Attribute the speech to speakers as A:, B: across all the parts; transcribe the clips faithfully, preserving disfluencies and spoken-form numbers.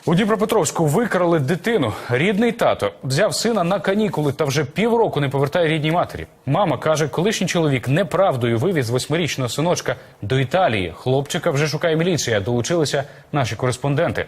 A: У Дніпропетровську викрали дитину. Рідний тато взяв сина на канікули та вже півроку не повертає рідній матері. Мама каже, колишній чоловік неправдою вивіз восьмирічного синочка до Італії. Хлопчика вже шукає міліція. Долучилися наші кореспонденти.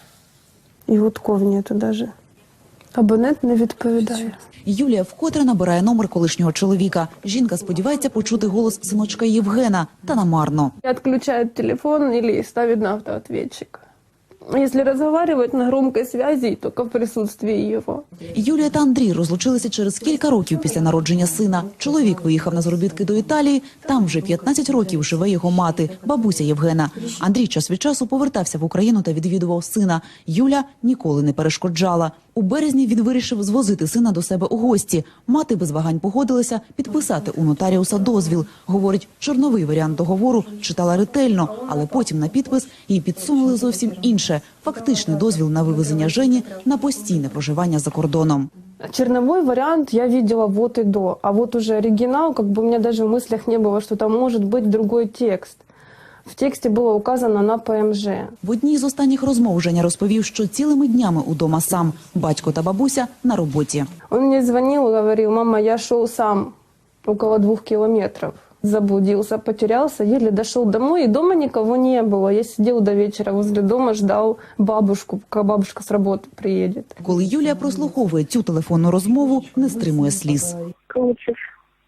B: І гудков нету даже. Абонент не відповідає.
C: Юлія вкотре набирає номер колишнього чоловіка. Жінка сподівається почути голос синочка Євгена, та намарно.
B: Отключает телефон или ставит на автоответчик. Если разговаривать на громкой связи, только в присутствии его.
C: Юлія та Андрій розлучилися через кілька років після народження сина. Чоловік виїхав на заробітки до Італії. Там вже п'ятнадцять років живе його мати, бабуся Євгена. Андрій час від часу повертався в Україну та відвідував сина. Юля ніколи не перешкоджала. У березні він вирішив звозити сина до себе у гості. Мати без вагань погодилася підписати у нотаріуса дозвіл. Говорить, чорновий варіант договору читала ретельно, але потім на підпис їй підсунули зовсім інше – фактичний дозвіл на вивезення Жені на постійне проживання за кордоном.
B: Черновой вариант я видела вот и до, а вот уже оригинал, как бы у меня даже в мыслях не было, что там может быть другой текст. В тексті було указано на ПМЖ.
C: В одній з останніх розмов Женя розповів, що цілими днями удома сам. Батько та бабуся на роботі.
B: Он мне звонил и говорил: мама, я шел сам около двух километров. Заблудился, потерялся, еле дошел домой, и дома никого не было. Я сидел до вечера возле дома, ждал бабушку, пока бабушка с работы приедет.
C: Коли Юлія прослуховує цю телефонну розмову, не стримує сліз.
D: Скучив.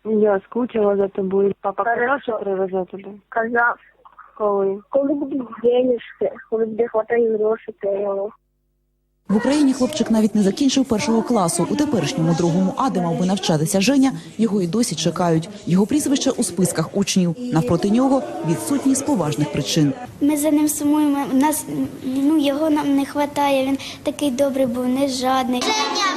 D: Я скучила за тобою. Папа казав, що привезе тебе?
E: Казав.
D: Коли?
E: Коли будуть денежки, коли буде хватає грошей, то я його.
C: В Україні хлопчик навіть не закінчив першого класу. У теперішньому другому А, де мав би навчатися Женя, його й досі чекають. Його прізвище у списках учнів. Навпроти нього відсутній з поважних причин.
F: Ми за ним сумуємо, нас, ну, його нам не вистачає, він такий добрий був, не жадний. Женя,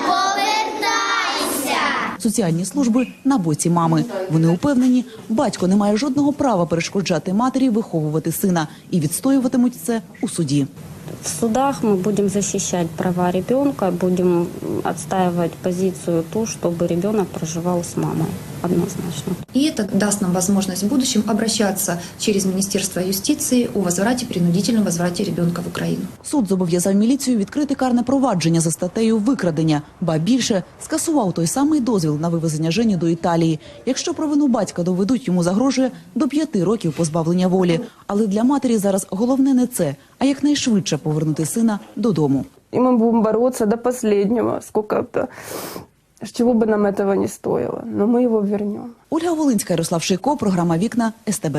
F: повертайся!
C: Соціальні служби на боці мами. Вони упевнені, батько не має жодного права перешкоджати матері виховувати сина і відстоюватимуть це у суді.
G: В судах мы будем защищать права ребенка, будем отстаивать позицию ту, чтобы ребенок проживал с мамой, однозначно.
H: И это даст нам возможность в будущем обращаться через Министерство юстиции о возврате, принудительном возврате ребенка в Украину.
C: Суд зобов'язав міліцію відкрити карне провадження за статтею викрадення. Ба більше, скасував той самий дозвіл на вивезення Жені до Італії. Якщо провину батька доведуть, йому загрожує до п'яти років позбавлення волі. Але для матері зараз головне не це, а якнайшвидше повернути сина додому.
B: И мы будем бороться до последнего, сколько-то, чего бы нам этого не стоило. Но мы его вернем.
C: Ольга Волинська, Ярослав Шийко, програма «Вікна», ес те бе.